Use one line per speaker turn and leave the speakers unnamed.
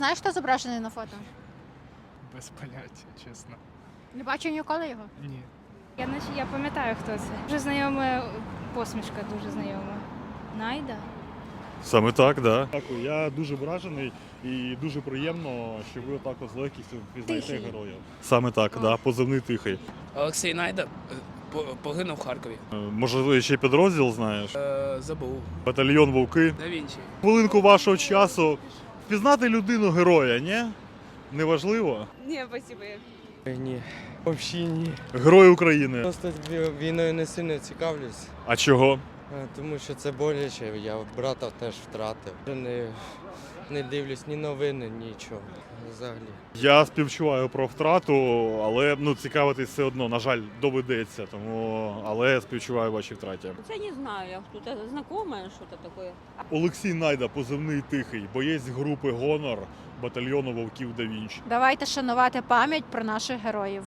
Знаєш, хто зображений на фото?
Без поняття, чесно.
Не бачу ніколи його.
Ні.
Я пам'ятаю, хто це. Дуже знайома посмішка, дуже знайома. Найда?
Саме так, да. Дякую. Я дуже вражений і дуже приємно, що ви отак з легкістю впізнаєте
Тихий.
героя. Саме так, да, позивний тихий.
Олексій Найда погинув в Харкові.
Може, ще підрозділ знаєш?
Забув.
Батальйон Вовки.
Да Вінчі.
Хвилинку вашого часу. Впізнати людину героя, ні? Неважливо?
Ні, спасибо.
Ні, взагалі ні.
Герой України.
Просто війною не сильно цікавлюсь,
А чого?
тому що це боляче. Я брата теж втратив. Не дивлюсь ні новини, нічого. Взагалі.
Я співчуваю про втрату, але цікавитись все одно, на жаль, доведеться. Але співчуваю вашій втраті.
Це не знаю, кто-то знакомое, что-то такое.
Олексій Найда, позивний тихий, боєць групи Гонор батальйону Вовків да Вінчі.
Давайте шанувати пам'ять про наших героїв.